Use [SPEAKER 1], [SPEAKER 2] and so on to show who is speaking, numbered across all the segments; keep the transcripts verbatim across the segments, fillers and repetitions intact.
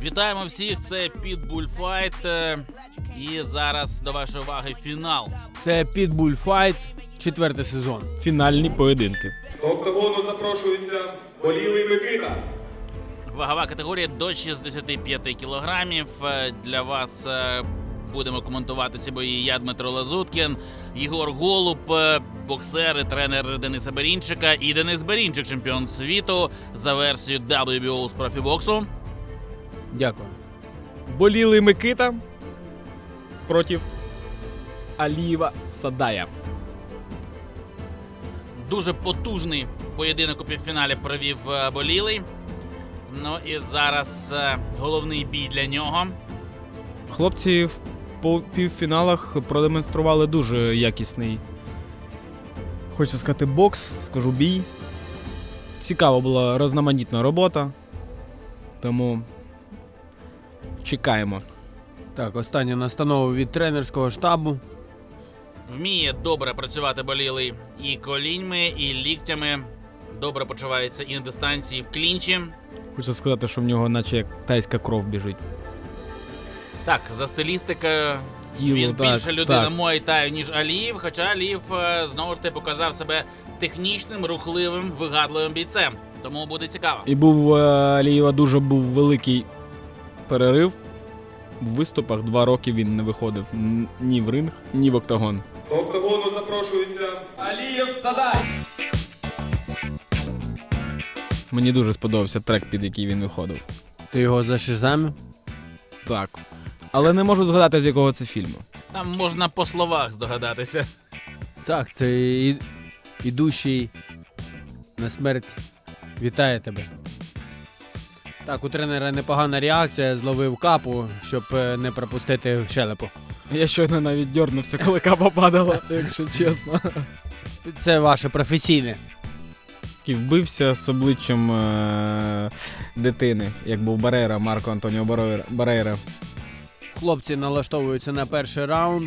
[SPEAKER 1] Вітаємо всіх, це Pitbull Fight. І зараз до вашої уваги фінал.
[SPEAKER 2] Це Pitbull Fight, четвертий сезон.
[SPEAKER 3] Фінальні поєдинки.
[SPEAKER 4] До октагону запрошується Болілий Микита.
[SPEAKER 1] Вагова категорія до шістдесят п'ять кілограмів. Для вас будемо коментувати ці бої я, Дмитро Лазуткін, Єгор Голуб, боксер і тренер Дениса Берінчика і Денис Берінчик, чемпіон світу за версією дабл ю бі о з профібоксу.
[SPEAKER 2] Дякую.
[SPEAKER 3] Болілий Микита проти Алієва Садая.
[SPEAKER 1] Дуже потужний поєдинок у півфіналі провів Болілий. Ну і зараз головний бій для нього.
[SPEAKER 3] Хлопці в півфіналах продемонстрували дуже якісний, хочу сказати, бокс, скажу бій. Цікава була різноманітна робота, тому чекаємо.
[SPEAKER 2] Так, остання настанова від тренерського штабу.
[SPEAKER 1] Вміє добре працювати Болілий і коліньми, і ліктями. Добре почувається і на дистанції, і в клінчі.
[SPEAKER 3] Хочу сказати, що в нього наче як тайська кров біжить.
[SPEAKER 1] Так, за стилістикою
[SPEAKER 3] Тіло,
[SPEAKER 1] він
[SPEAKER 3] так,
[SPEAKER 1] більше людина
[SPEAKER 3] так.
[SPEAKER 1] Муай-Таю, ніж Алієв, хоча Алієв, знову ж таки, показав себе технічним, рухливим, вигадливим бійцем. Тому буде цікаво.
[SPEAKER 3] І був у Алієва дуже був великий перерив. В виступах два роки він не виходив ні в ринг, ні в октагон.
[SPEAKER 4] До октагону запрошується Алієв Садай.
[SPEAKER 3] Мені дуже сподобався трек, під який він виходив.
[SPEAKER 2] Ти його зашизамив?
[SPEAKER 3] Так. Але не можу згадати, з якого це фільму.
[SPEAKER 1] Там можна по словах здогадатися.
[SPEAKER 2] Так, це і... ідущий на смерть вітає тебе. Так, у тренера непогана реакція, зловив капу, щоб не пропустити в щелепу.
[SPEAKER 3] Я щойно навіть дьорнувся, коли капа падала, якщо чесно.
[SPEAKER 2] Це ваше професійне.
[SPEAKER 3] І вбився з обличчям е- дитини, як був Барейра, Марко Антоніо Барейра.
[SPEAKER 2] Хлопці налаштовуються на перший раунд.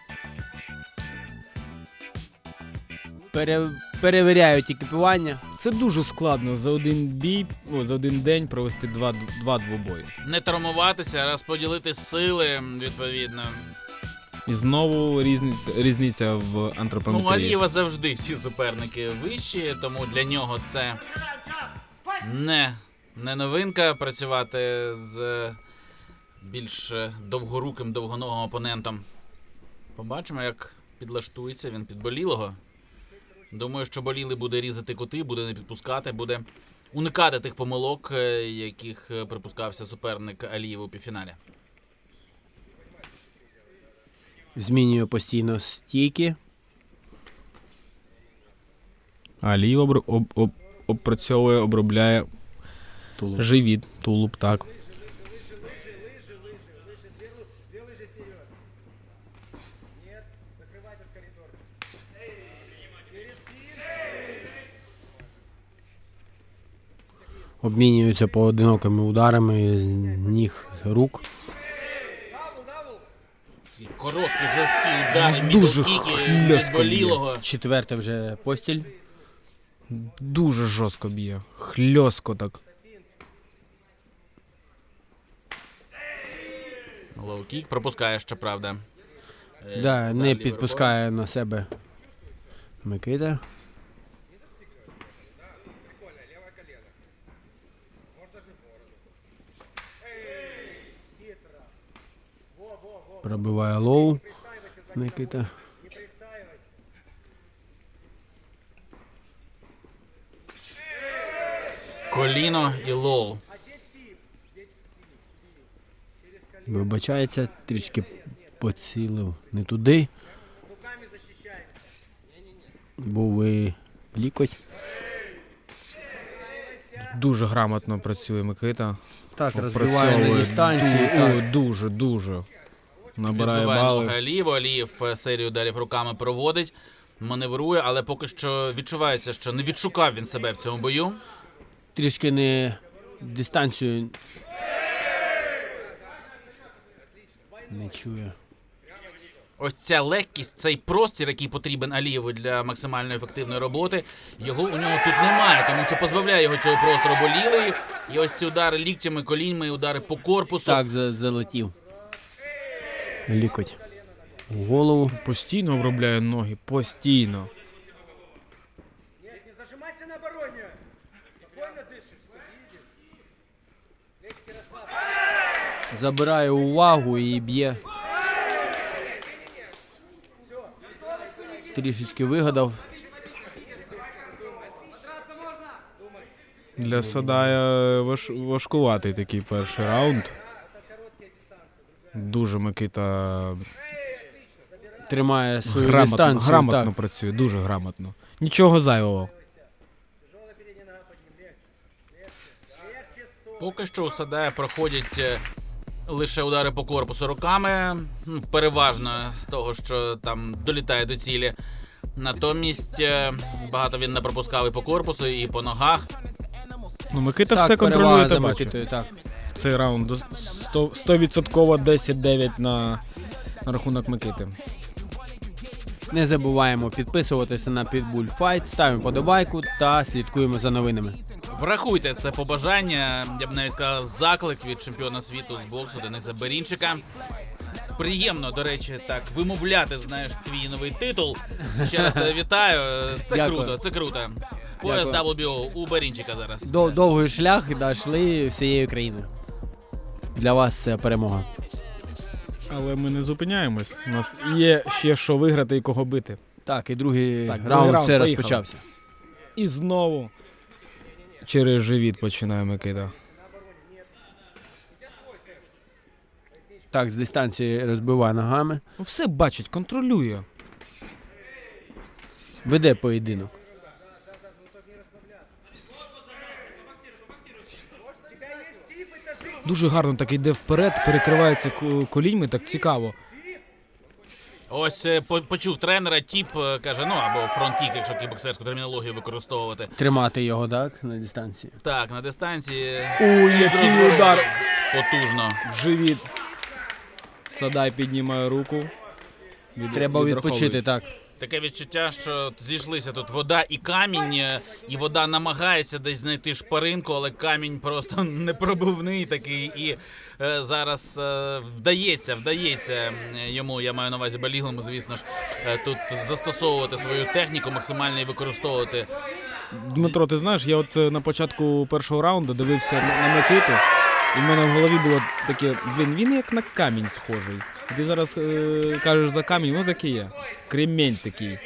[SPEAKER 2] Пере... Перевіряють екіпування.
[SPEAKER 3] Це дуже складно за один бій, о, за один день провести два, два двобої.
[SPEAKER 1] Не травмуватися, розподілити сили, відповідно.
[SPEAKER 3] І знову різниця, різниця в
[SPEAKER 1] Ну, у
[SPEAKER 3] антропометрії.
[SPEAKER 1] Алієва завжди всі суперники вищі, тому для нього це не, не новинка працювати з більш довгоруким, довгоногим опонентом. Побачимо, як підлаштується він під Болілого. Думаю, що Болілий буде різати кути, буде не підпускати, буде уникати тих помилок, яких припускався суперник Алієва у півфіналі.
[SPEAKER 2] Змінює постійно стійки.
[SPEAKER 3] Алієв об, об, об, опрацьовує, обробляє
[SPEAKER 2] Тулуб.
[SPEAKER 3] живіт, тулуб, так.
[SPEAKER 2] Обмінюються поодинокими ударами з ніг, рук.
[SPEAKER 1] Короткі, жорсткі удари,
[SPEAKER 3] Дуже
[SPEAKER 1] мідл-кіки від
[SPEAKER 3] хльостко
[SPEAKER 1] Болілого.
[SPEAKER 2] Четверте вже постіль.
[SPEAKER 3] Дуже жорстко б'є, хльостко так.
[SPEAKER 1] Лоу-кік пропускає, щоправда. Е,
[SPEAKER 2] Да, не
[SPEAKER 1] лівою
[SPEAKER 2] підпускає на себе Микита. Пробиває лоу Микита.
[SPEAKER 1] рукою. Коліно і лоу.
[SPEAKER 2] Вибачається, трішки поцілив не туди. Був і лікоть.
[SPEAKER 3] Дуже грамотно працює Микита.
[SPEAKER 2] Так, розбиває на
[SPEAKER 3] Опрацьовує
[SPEAKER 2] дистанції.
[SPEAKER 3] ду-
[SPEAKER 2] Так.
[SPEAKER 3] о, Дуже, дуже. Набирає
[SPEAKER 1] Відбиває ноги
[SPEAKER 3] бали.
[SPEAKER 1] Алієву. Алієв серію ударів руками проводить, маневрує, але поки що відчувається, що не відшукав він себе в цьому бою.
[SPEAKER 2] Трішки не дистанцію не чує.
[SPEAKER 1] ось ця легкість, цей простір, який потрібен Алієву для максимально ефективної роботи, його у нього тут немає, тому що позбавляє його цього простору Болілий. І ось ці удари ліктями, коліньми, удари по корпусу.
[SPEAKER 2] Так, за- залетів. Лікоть. В голову.
[SPEAKER 3] Постійно обробляє ноги, постійно.
[SPEAKER 2] Забирає увагу і б'є. Трішечки вигадав.
[SPEAKER 3] Для Садая важ... важкуватий такий перший раунд. Дуже Микита
[SPEAKER 2] Тримає свою
[SPEAKER 3] грамотно,
[SPEAKER 2] дистанцію.
[SPEAKER 3] грамотно
[SPEAKER 2] Так.
[SPEAKER 3] працює, дуже грамотно. Нічого зайвого.
[SPEAKER 1] Поки що у Садая проходять е, лише удари по корпусу руками, ну, переважно з того, що там долітає до цілі. Натомість е, багато він не пропускав і по корпусу, і по ногах.
[SPEAKER 3] Ну, Микита
[SPEAKER 2] Так,
[SPEAKER 3] все
[SPEAKER 2] перевага
[SPEAKER 3] контролює,
[SPEAKER 2] за
[SPEAKER 3] ти бачиш.
[SPEAKER 2] Микитою, так.
[SPEAKER 3] Цей раунд сто відсотків десять дев'ять на, на рахунок Микити.
[SPEAKER 2] Не забуваємо підписуватися на Pitbull Fight, ставимо подобайку та слідкуємо за новинами.
[SPEAKER 1] Врахуйте це побажання, я б навіть сказав, заклик від чемпіона світу з боксу Дениса Берінчика. Приємно, до речі, так вимовляти, знаєш, твій новий титул. Ще раз тебе вітаю. Це
[SPEAKER 2] Дякую.
[SPEAKER 1] круто, це круто. Пояс
[SPEAKER 2] Дякую.
[SPEAKER 1] дабл ю бі о у Берінчика зараз.
[SPEAKER 2] Дов- Довгий шлях дійшли всією країною. Для вас це перемога.
[SPEAKER 3] Але ми не зупиняємось. У нас є ще що виграти і кого бити.
[SPEAKER 2] Так, і другий
[SPEAKER 3] Так, другий
[SPEAKER 2] раунд
[SPEAKER 3] раунд,
[SPEAKER 2] все
[SPEAKER 3] поїхали.
[SPEAKER 2] розпочався.
[SPEAKER 3] І знову через живіт починає Микита.
[SPEAKER 2] Так, з дистанції розбиває ногами.
[SPEAKER 3] Ну, все бачить, контролює.
[SPEAKER 2] Веде поєдинок.
[SPEAKER 3] Дуже гарно так йде вперед, перекривається ко- коліньми, так цікаво.
[SPEAKER 1] Ось е, по- почув тренера, тіп е, каже, ну або фронт-кік, якщо кікбоксерську термінологію використовувати.
[SPEAKER 2] Тримати його, так, на дистанції.
[SPEAKER 1] Так, на дистанції.
[SPEAKER 3] Ой,
[SPEAKER 1] з
[SPEAKER 3] який
[SPEAKER 1] розвороту.
[SPEAKER 3] удар!
[SPEAKER 1] Потужно.
[SPEAKER 3] В живіт. Садай піднімає руку. Від-
[SPEAKER 2] Треба
[SPEAKER 3] відраховує.
[SPEAKER 2] відпочити, так.
[SPEAKER 1] Таке відчуття, що зійшлися тут вода і камінь, е, і вода намагається десь знайти шпаринку, але камінь просто непробивний такий. І е, зараз е, вдається, вдається е, йому, я маю на увазі Болілому, звісно ж, е, тут застосовувати свою техніку, максимально її використовувати.
[SPEAKER 3] Дмитро, ти знаєш, я от е, на початку першого раунду дивився на, на Микиту, і в мене в голові було таке, блін, він як на камінь схожий. І ти зараз е, кажеш за камінь, ну таке є. Кремінь такий.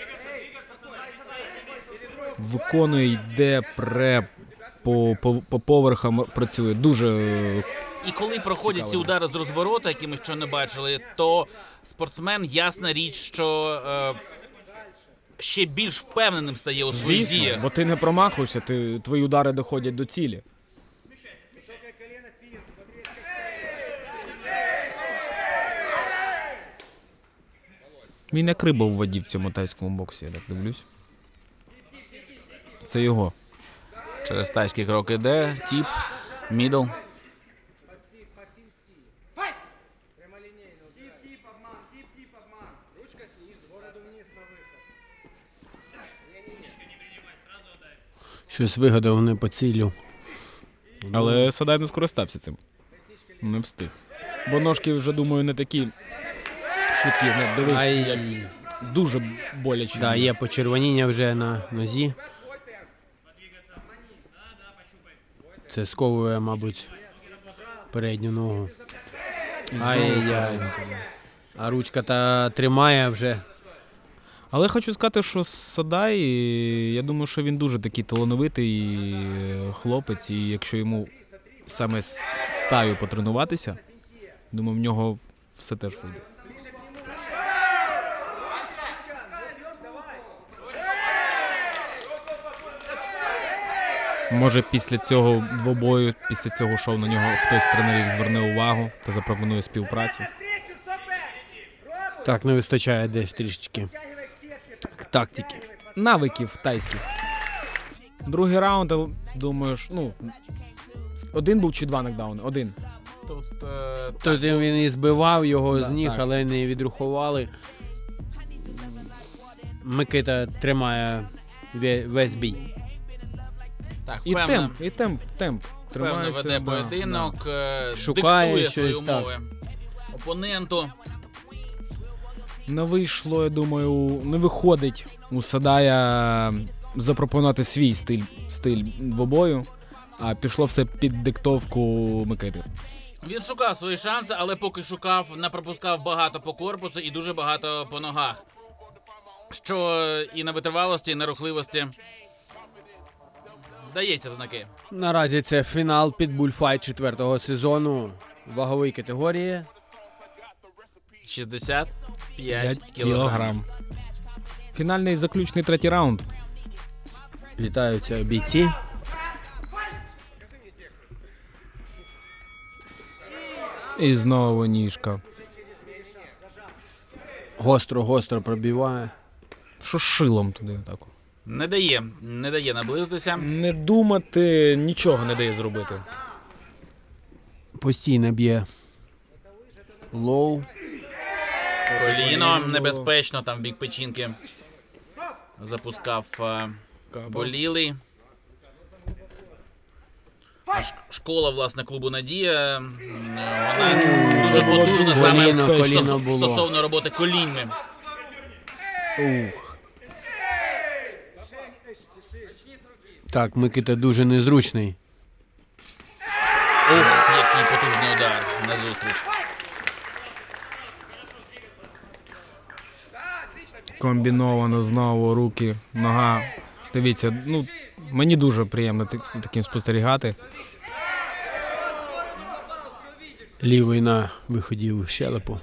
[SPEAKER 3] Виконує, йде, пре, по, по, по поверхам працює. Дуже е,
[SPEAKER 1] І коли проходять
[SPEAKER 3] Цікаво.
[SPEAKER 1] ці удари з розворота, які ми ще не бачили, то спортсмен, ясна річ, що е, ще більш впевненим стає у своїх
[SPEAKER 3] звісно,
[SPEAKER 1] діях.
[SPEAKER 3] бо ти не промахуєшся, ти, твої удари доходять до цілі. Він як риба в воді в цьому тайському боксі, я так дивлюсь. Це його.
[SPEAKER 1] Через тайський крок іде, тіп, мідл.
[SPEAKER 2] Щось вигадав не по цілю.
[SPEAKER 3] Але Садай не скористався цим. Не встиг. Бо ножки вже, думаю, не такі швидкі. Не, дивись,
[SPEAKER 2] Ай.
[SPEAKER 3] як дуже боляче.
[SPEAKER 2] Да, є почервоніння вже на нозі. Це сковує, мабуть, передню ногу.
[SPEAKER 3] І знову
[SPEAKER 2] Ай-яй-яй.
[SPEAKER 3] правильно.
[SPEAKER 2] А ручка та тримає вже.
[SPEAKER 3] Але хочу сказати, що Садай, я думаю, що він дуже такий талановитий е, хлопець, і якщо йому саме з стаю потренуватися, думаю, в нього все теж вийде. Може, після цього двобою, після цього шоу на нього хтось з тренерів зверне увагу та запропонує співпрацю.
[SPEAKER 2] Так, не вистачає десь трішечки тактики.
[SPEAKER 3] Навиків тайських. Другий раунд, я думаю, ж, ну, один був чи два нокдауни? Один.
[SPEAKER 1] Тут е,
[SPEAKER 2] Тут він і збивав його
[SPEAKER 3] Да,
[SPEAKER 2] з ніг,
[SPEAKER 3] так.
[SPEAKER 2] але не відрахували. Микита тримає ве- весь бій.
[SPEAKER 1] Так,
[SPEAKER 3] І
[SPEAKER 1] впевнено,
[SPEAKER 3] темп, і темп, темп.
[SPEAKER 1] впевнено
[SPEAKER 3] Тримається,
[SPEAKER 1] веде
[SPEAKER 3] да,
[SPEAKER 1] поєдинок, е,
[SPEAKER 2] Шукає
[SPEAKER 1] диктує свої
[SPEAKER 2] щось, так.
[SPEAKER 1] умови опоненту.
[SPEAKER 3] да. Не вийшло, я думаю, не виходить у Садая запропонувати свій стиль, стиль двобою, а пішло все під диктовку Микити.
[SPEAKER 1] Він шукав свої шанси, але поки шукав, не пропускав багато по корпусу і дуже багато по ногах. Що і на витривалості, і на рухливості дається в знаки.
[SPEAKER 2] Наразі це фінал під бульфайт четвертого сезону вагової категорії.
[SPEAKER 1] шістдесят п'ять
[SPEAKER 3] п'ять
[SPEAKER 1] кілограм.
[SPEAKER 3] кілограм. Фінальний заключний третій раунд.
[SPEAKER 2] Вітаються бійці.
[SPEAKER 3] І знову ніжка.
[SPEAKER 2] Гостро-гостро пробиває.
[SPEAKER 3] Що з шилом туди так?
[SPEAKER 1] Не дає, не дає наблизитися.
[SPEAKER 3] Не думати, нічого не дає зробити.
[SPEAKER 2] Постійно б'є лоу.
[SPEAKER 1] Коліно небезпечно, там в бік печінки запускав е, болілий. А ш- школа, власне, клубу «Надія», м, вона дуже
[SPEAKER 3] було
[SPEAKER 1] потужна
[SPEAKER 3] дуже
[SPEAKER 1] саме
[SPEAKER 2] небезпечно.
[SPEAKER 1] стосов-
[SPEAKER 2] Коліно було.
[SPEAKER 1] стосовно роботи коліньми.
[SPEAKER 3] Ух.
[SPEAKER 2] Так, Микита дуже незручний.
[SPEAKER 1] Ух, який потужний удар назустріч.
[SPEAKER 3] Комбіновано знову руки, нога. Дивіться, ну мені дуже приємно так- з таким спостерігати.
[SPEAKER 2] Лівий на виході в щелепу.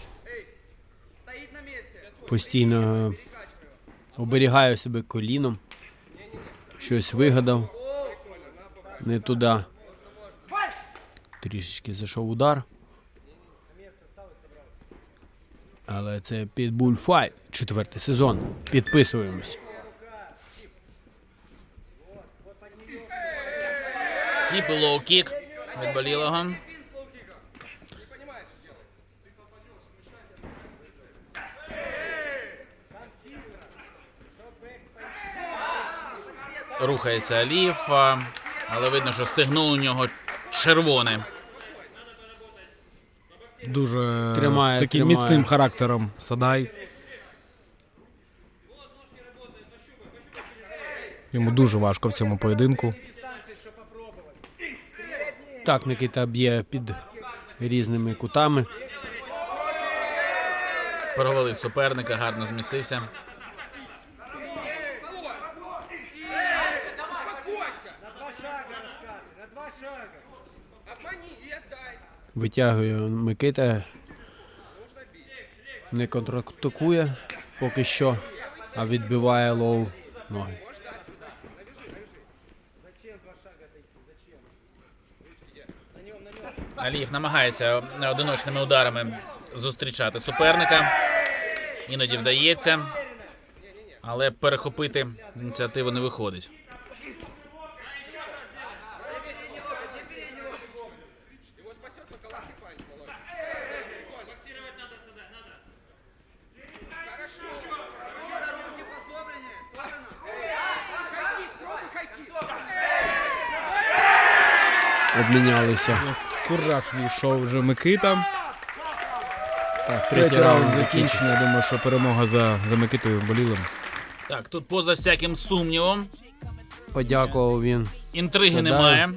[SPEAKER 2] Постійно оберігає себе коліном. Щось вигадав. Не туди. Трішечки зайшов удар. Але це під бульфайт. Четвертий сезон. Підписуємось.
[SPEAKER 1] Тіп і лоу-кік від болілого. Рухається Алієв, а, але видно, що стегно у нього червоне.
[SPEAKER 3] Дуже
[SPEAKER 2] Тримає,
[SPEAKER 3] з таким
[SPEAKER 2] тримає.
[SPEAKER 3] міцним характером Садай. Йому дуже важко в цьому поєдинку.
[SPEAKER 2] Так, Микита б'є під різними кутами.
[SPEAKER 1] Провалив суперника, гарно змістився.
[SPEAKER 2] Витягує Микита. Не контратакує поки що, а відбиває лоу ноги.
[SPEAKER 1] Алієв намагається одиночними ударами зустрічати суперника. Іноді вдається, але перехопити ініціативу не виходить.
[SPEAKER 2] Обмінялися.
[SPEAKER 3] В кураж війшов вже Микита.
[SPEAKER 2] Так,
[SPEAKER 3] Третій раунд закінчено. Я думаю, що перемога за, за Микитою Болілим.
[SPEAKER 1] Так, тут поза всяким сумнівом.
[SPEAKER 2] Подякував він.
[SPEAKER 1] Інтриги
[SPEAKER 2] Садай.
[SPEAKER 1] немає.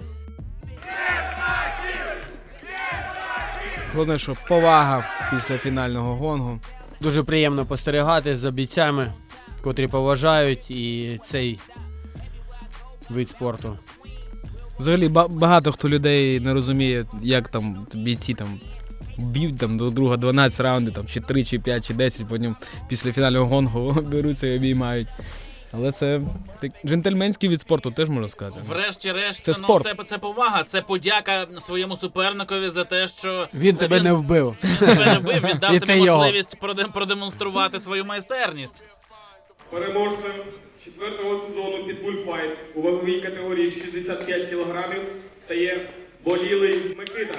[SPEAKER 3] Головне, що повага після фінального гонгу.
[SPEAKER 2] Дуже приємно спостерігати за бійцями, котрі поважають і цей вид спорту.
[SPEAKER 3] Взагалі ба- багато хто людей не розуміє, як там бійці там б'ють там до друга дванадцять раундів, там чи три, чи п'ять, чи десять, потім після фінального гонгу беруться і обіймають. Але це так, джентльменський від спорту, теж можна сказати.
[SPEAKER 1] Врешті-решт,
[SPEAKER 3] Це
[SPEAKER 1] ну,
[SPEAKER 3] спорт.
[SPEAKER 1] це, це повага, це подяка своєму суперникові за те, що
[SPEAKER 2] Він тебе не вбив.
[SPEAKER 1] він тебе не вбив, він дав
[SPEAKER 2] І
[SPEAKER 1] тобі
[SPEAKER 2] ти його.
[SPEAKER 1] можливість проде- продемонструвати свою майстерність.
[SPEAKER 4] Переможцем четвертого сезону під бульфайт у ваговій категорії шістдесят п'ять кілограмів стає болілий Микита.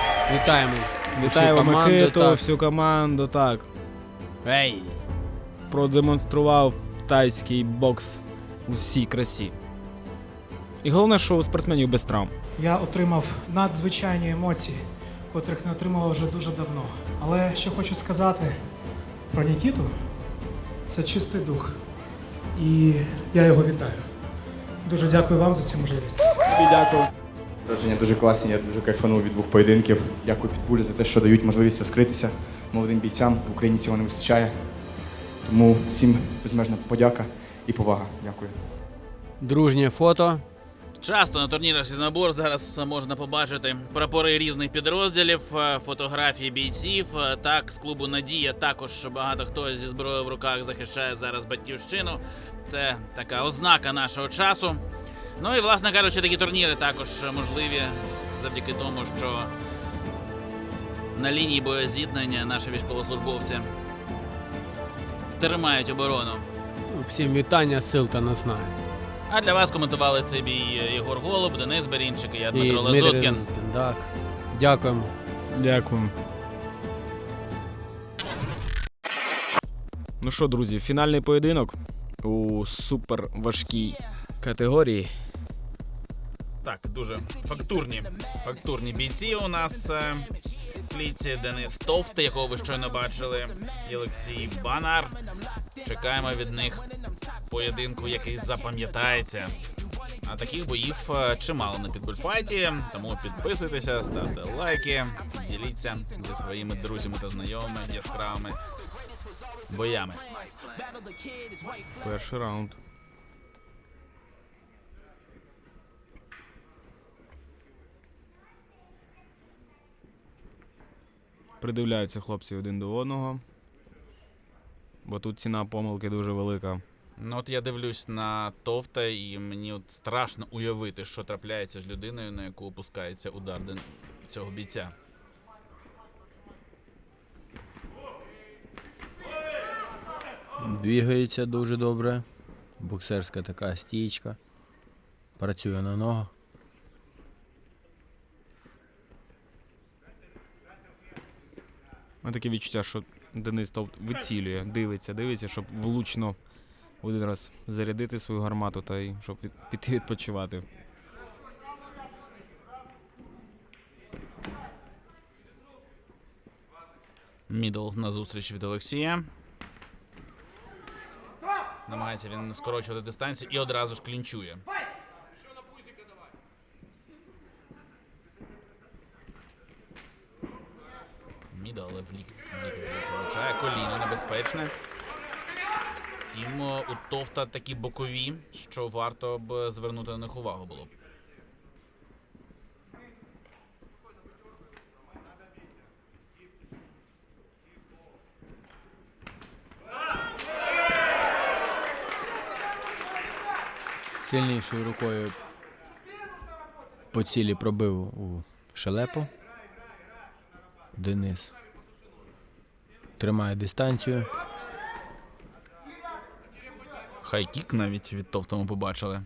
[SPEAKER 2] Вітаємо.
[SPEAKER 3] Вітаємо
[SPEAKER 2] Всю команду,
[SPEAKER 3] Микиту,
[SPEAKER 2] так.
[SPEAKER 3] всю команду, так.
[SPEAKER 2] Ей!
[SPEAKER 3] продемонстрував тайський бокс у всій красі. І головне, що у спортсменів без травм.
[SPEAKER 5] Я отримав надзвичайні емоції, котрих не отримував вже дуже давно. Але що хочу сказати про Нікіту, це чистий дух. І я його вітаю. Дуже дякую вам за цю можливість.
[SPEAKER 3] Тобі дякую.
[SPEAKER 6] Враження дуже класні, я дуже кайфанув від двох поєдинків. Дякую Підбулі за те, що дають можливість розкритися молодим бійцям. В Україні цього не вистачає. Тому всім безмежна подяка і повага. Дякую.
[SPEAKER 2] Дружнє фото.
[SPEAKER 1] Часто на турнірах «Сінобор» зараз можна побачити прапори різних підрозділів, е, фотографії бійців. Е, Так, з клубу «Надія» також багато хто зі зброєю в руках захищає зараз батьківщину. Це така ознака нашого часу. Ну і, власне кажучи, такі турніри також можливі завдяки тому, що на лінії боєзіткнення наші військовослужбовці тримають оборону.
[SPEAKER 2] Всім вітання, сил та наснаги.
[SPEAKER 1] А для вас коментували цей бій Єгор Голуб, Денис Берінчик і я, Дмитро
[SPEAKER 2] І Дмитрий
[SPEAKER 1] Лазуткін.
[SPEAKER 2] Лазуткін, Так. Дякуємо.
[SPEAKER 3] Дякую. Ну що, друзі, фінальний поєдинок у суперважкій категорії.
[SPEAKER 1] Так, дуже фактурні, фактурні бійці у нас е, в клітці. Денис Товт, якого ви щойно бачили, і Олексій Банар. Чекаємо від них поєдинку, який запам'ятається. А таких боїв е, чимало на Підбульфайті, тому підписуйтеся, ставте лайки, діліться зі своїми друзями та знайомими яскравими боями.
[SPEAKER 3] Перший раунд. Придивляються хлопці один до одного, бо тут ціна помилки дуже велика.
[SPEAKER 1] Ну от я дивлюсь на Товта, і мені от страшно уявити, що трапляється з людиною, на яку опускається удар ден- цього бійця.
[SPEAKER 2] Двігається дуже добре. Боксерська така стійка. Працює на ногах.
[SPEAKER 3] У мене таке відчуття, що Денис Товт вицілює, дивиться, дивиться, щоб влучно один раз зарядити свою гармату та й щоб від, піти відпочивати.
[SPEAKER 1] Мідл на зустріч від Олексія. Намагається він скорочувати дистанцію і одразу ж клінчує. Мідл, але в лікті, здається, влучає. Коліно небезпечне. Втім, у Товта такі бокові, що варто б звернути на них увагу було б.
[SPEAKER 2] Сильнішою рукою по цілі пробив у шелепу. Денис тримає дистанцію.
[SPEAKER 1] Хайкік навіть від Товта ми побачили.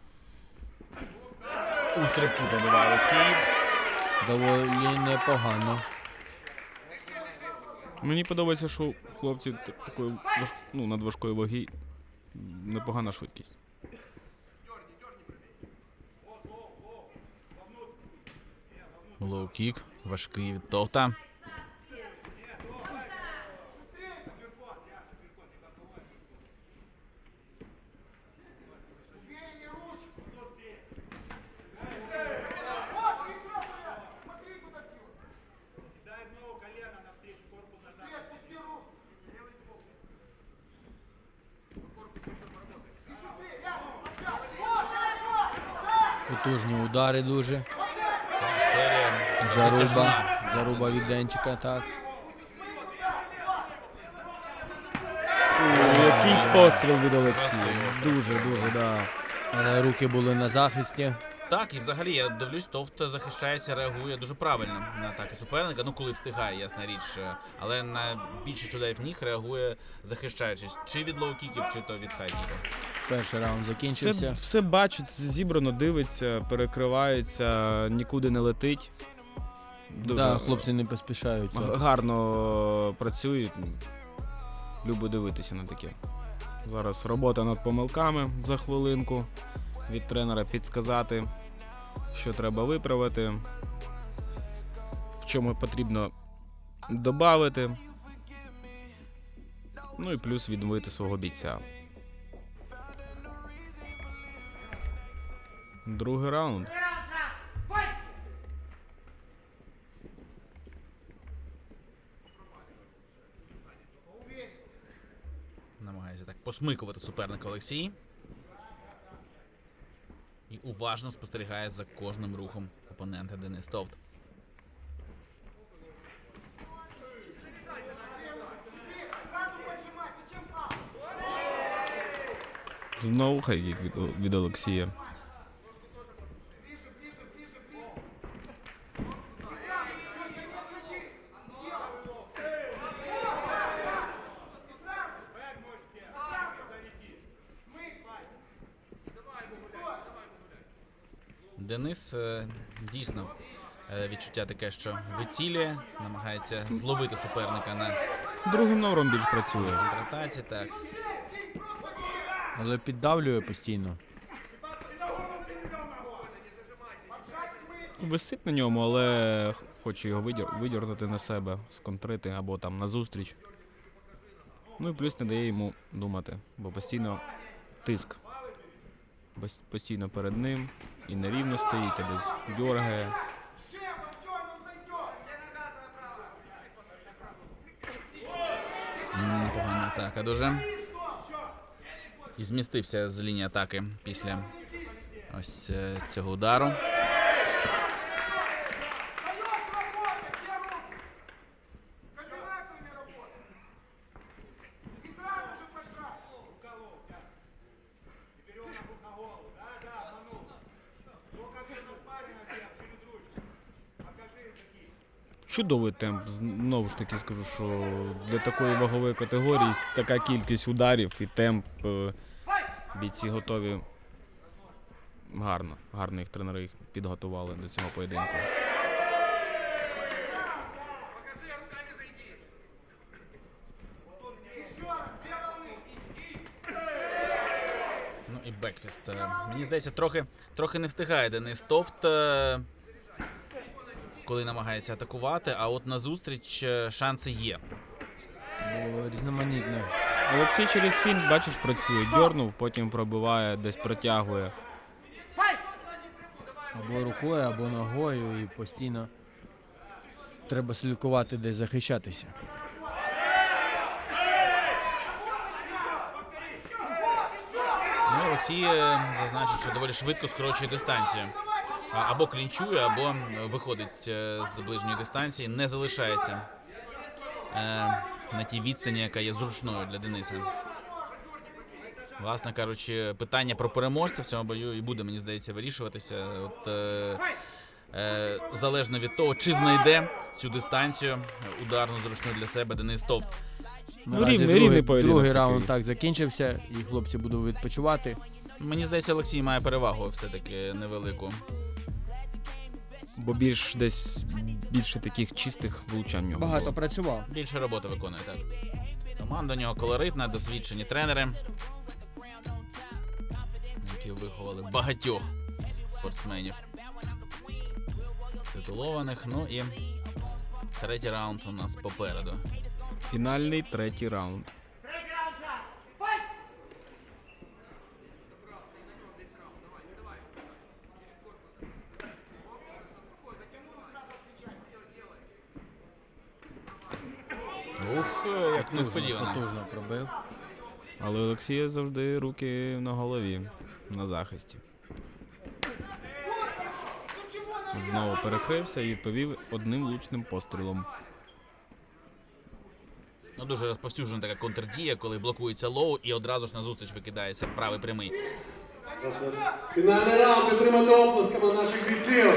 [SPEAKER 1] У стрибку побиває Олексій.
[SPEAKER 2] Доволі непогано.
[SPEAKER 3] Мені подобається, що хлопці т- такої важ... ну, надважкої ваги непогана швидкість.
[SPEAKER 1] Лоу-кік, важкий від Товта.
[SPEAKER 2] Потужні удари дуже.
[SPEAKER 1] Так, серія
[SPEAKER 2] Заруба.
[SPEAKER 1] затяжна.
[SPEAKER 2] Заруба від Денчика, так.
[SPEAKER 3] Який постріл від Олексія.
[SPEAKER 1] Красиво,
[SPEAKER 3] Дуже,
[SPEAKER 1] красиво.
[SPEAKER 3] дуже, да.
[SPEAKER 2] Але руки були на захисті.
[SPEAKER 1] Так, і взагалі я дивлюсь, Товт захищається, реагує дуже правильно на атаки суперника. Ну, коли встигає, ясна річ. Але на більшість ударів ніг реагує, захищаючись чи від лоу-кіків, чи то від хай-кіків.
[SPEAKER 2] Перший раунд закінчився.
[SPEAKER 3] Все, все бачить, зібрано, дивиться, перекривається, нікуди не летить. Дуже
[SPEAKER 2] Да, хлопці не поспішають.
[SPEAKER 3] г- гарно працюють. Люблю дивитися на таке. Зараз робота над помилками за хвилинку. Від тренера підсказати, що треба виправити, в чому потрібно додати. Ну і плюс відновити свого бійця. Другий раунд.
[SPEAKER 1] Намагається так посмикувати суперника Олексій. І уважно спостерігає за кожним рухом опонента Денис Товт.
[SPEAKER 3] Знову хайкік від, від Олексія.
[SPEAKER 1] Денис е, дійсно е, відчуття таке, що вицілює, намагається зловити суперника на
[SPEAKER 3] Другим номером більш працює.
[SPEAKER 1] контратаці. Так.
[SPEAKER 2] Але піддавлює постійно.
[SPEAKER 3] Висить на ньому, але хоче його видір- видірнути на себе, сконтрити або там на зустріч. Ну і плюс не дає йому думати, бо постійно тиск. Бос- Постійно перед ним і нерівно стоїть, а десь дьоргає.
[SPEAKER 1] М, Непогана атака дуже. І змістився з лінії атаки після ось е, цього удару.
[SPEAKER 3] Чудовий темп. Знову ж таки скажу, що для такої вагової категорії така кількість ударів і темп. е, Бійці готові гарно. Гарно їх тренери їх підготували до цього поєдинку.
[SPEAKER 1] Ну і бекфіст. Е, Мені здається, трохи, трохи не встигає Денис Товт, е, коли намагається атакувати, а от на зустріч е, шанси є.
[SPEAKER 2] Бо різноманітне.
[SPEAKER 3] Олексій через фінт, бачиш, працює. Дьорнув, потім пробиває, десь протягує.
[SPEAKER 2] Або рукою, або ногою, і постійно треба слідкувати, де захищатися.
[SPEAKER 1] Ну, Олексій е, зазначить, що доволі швидко скорочує дистанцію. А- Або клінчує, або виходить е, з ближньої дистанції, не залишається е, на тій відстані, яка є зручною для Дениса. Власне кажучи, питання про переможця в цьому бою і буде, мені здається, вирішуватися. От, е, е, залежно від того, чи знайде цю дистанцію ударну зручну для себе Денис Товт.
[SPEAKER 3] Ну,
[SPEAKER 2] Наразі
[SPEAKER 3] рівний,
[SPEAKER 2] другий,
[SPEAKER 3] рівний поєдинок
[SPEAKER 2] другий
[SPEAKER 3] такий.
[SPEAKER 2] раунд так закінчився, і хлопці будуть відпочивати.
[SPEAKER 1] Мені здається, Олексій має перевагу все-таки невелику.
[SPEAKER 3] Бо більш десь більше таких чистих влучань в нього
[SPEAKER 2] Багато
[SPEAKER 3] було.
[SPEAKER 2] працював.
[SPEAKER 1] Більше роботи виконує, так. Команда у нього колоритна, досвідчені тренери, які виховали багатьох спортсменів титулованих. Ну і третій раунд у нас попереду.
[SPEAKER 3] Фінальний третій раунд.
[SPEAKER 1] Ух, як несподівано.
[SPEAKER 2] Потужно пробив.
[SPEAKER 3] Але у Олексія завжди руки на голові, на захисті. Знову перекрився і відповів одним влучним пострілом.
[SPEAKER 1] Ну, дуже розповсюджена така контрдія, коли блокується лоу і одразу ж назустріч викидається правий прямий.
[SPEAKER 7] Фінальний раунд, підтримати оплесками наших бійців.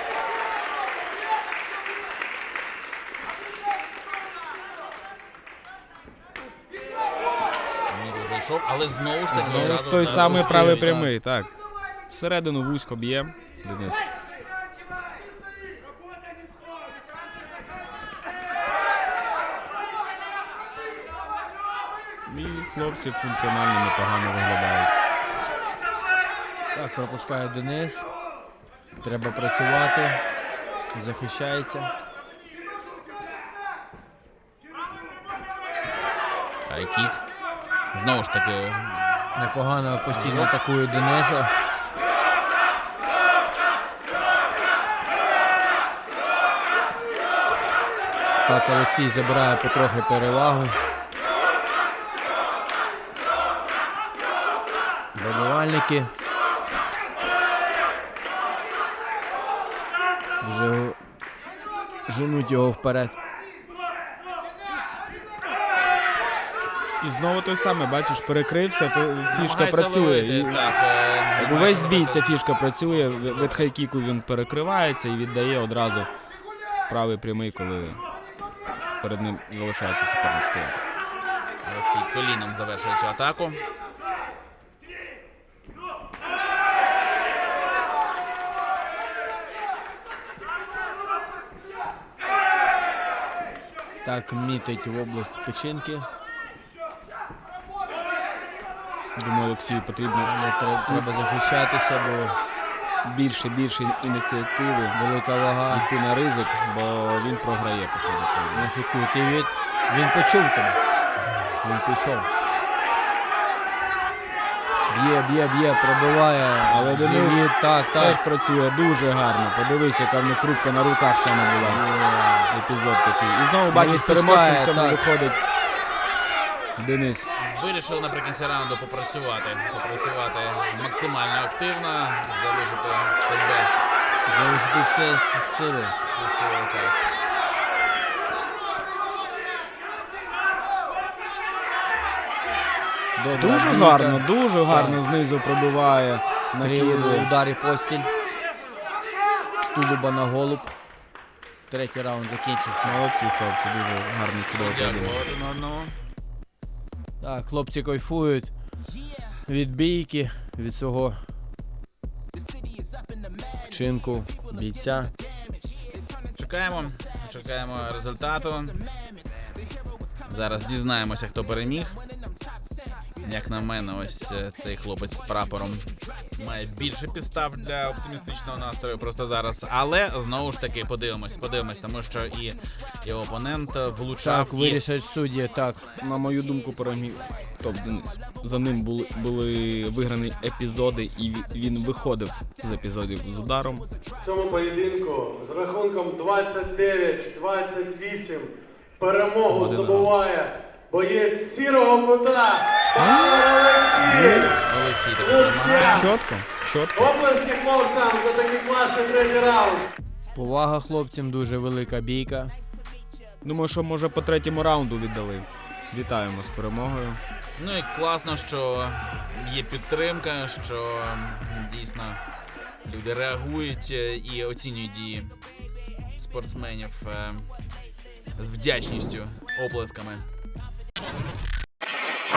[SPEAKER 1] Мідл зайшов, але знову ж таки
[SPEAKER 3] Знову
[SPEAKER 1] одразу
[SPEAKER 3] ж той
[SPEAKER 1] вдарив
[SPEAKER 3] самий
[SPEAKER 1] у
[SPEAKER 3] правий
[SPEAKER 1] Стріловича.
[SPEAKER 3] прямий, так. Всередину вузько б'є Денис. І хлопці функціонально непогано виглядають.
[SPEAKER 2] Так, пропускає Денис. Треба працювати. Захищається.
[SPEAKER 1] Хайкік. Знову ж таки,
[SPEAKER 2] Непогано постійно атакує Дениса. Так, Олексій забирає потрохи перевагу. Вибивальники. Вже женуть його вперед.
[SPEAKER 3] І знову той самий, бачиш, перекрився, то фішка
[SPEAKER 1] намагається
[SPEAKER 3] працює.
[SPEAKER 1] ловити,
[SPEAKER 3] І...
[SPEAKER 1] так, е,
[SPEAKER 3] Так,
[SPEAKER 1] намагається
[SPEAKER 3] увесь бій
[SPEAKER 1] ловити.
[SPEAKER 3] ця фішка працює, від хайкіку він перекривається і віддає одразу правий прямий, коли перед ним залишається суперник стояти.
[SPEAKER 1] Олексій коліном завершує цю атаку.
[SPEAKER 2] Так, мітить в область печінки.
[SPEAKER 3] Думаю, Олексію потрібно
[SPEAKER 2] Але треба, треба захищатися, бо
[SPEAKER 3] більше, більше ініціативи,
[SPEAKER 2] велика вага.
[SPEAKER 3] йти на ризик, бо він програє по ходу поєдинку.
[SPEAKER 2] Не шуткуй, ти від... Він почув тебе. Він пішов. Б'є, б'є, б'є, пробиває.
[SPEAKER 3] Але Денис
[SPEAKER 2] Живіт, так,
[SPEAKER 3] Теж
[SPEAKER 2] так.
[SPEAKER 3] працює дуже гарно. Подивись, яка в них рубка на руках саме була. Епізод такий. І знову бачиш,
[SPEAKER 2] відпускає,
[SPEAKER 3] переможцем в цьому
[SPEAKER 2] так.
[SPEAKER 3] виходить Денис.
[SPEAKER 1] Вирішив наприкінці раунду попрацювати. Попрацювати максимально активно, залишити себе
[SPEAKER 2] Залишити все з сили.
[SPEAKER 1] всі сили. Так.
[SPEAKER 2] Добра
[SPEAKER 3] Дуже
[SPEAKER 2] бійка.
[SPEAKER 3] гарно, дуже гарно знизу пробиває.
[SPEAKER 2] Три
[SPEAKER 3] Накидує.
[SPEAKER 2] удари постіль. З тулуба на голуб. Третій раунд закінчився.
[SPEAKER 3] Молодці, хлопці, дуже гарний чудовий
[SPEAKER 1] Дякую
[SPEAKER 3] поєдинок.
[SPEAKER 1] один одному.
[SPEAKER 2] Так, хлопці кайфують від бійки, від свого вчинку бійця.
[SPEAKER 1] Чекаємо, чекаємо результату. Зараз дізнаємося, хто переміг. Як на мене, ось е, цей хлопець з прапором має більше підстав для оптимістичного настрою просто зараз. Але знову ж таки подивимось, подивимось, тому що і його опонент влучав.
[SPEAKER 2] Так,
[SPEAKER 1] і
[SPEAKER 2] вирішать судді, так.
[SPEAKER 3] На мою думку, переміг топ Денис. За ним були, були виграні епізоди, і ві- він виходив з епізодів з ударом.
[SPEAKER 7] В цьому поєдинку з рахунком двадцять дев'ять двадцять вісім перемогу здобуває боєць сірого кута Павло Олексій.
[SPEAKER 1] Олексій таки перемагає.
[SPEAKER 7] Луця.
[SPEAKER 3] Чітко, чітко.
[SPEAKER 7] Оплески хлопцям за такий класний третій раунд.
[SPEAKER 2] Повага хлопцям, дуже велика бійка.
[SPEAKER 3] Думаю, що може по третьому раунду віддали. Вітаємо з перемогою.
[SPEAKER 1] Ну і класно, що є підтримка, що м, дійсно люди реагують е, і оцінюють дії спортсменів е, з вдячністю, оплесками.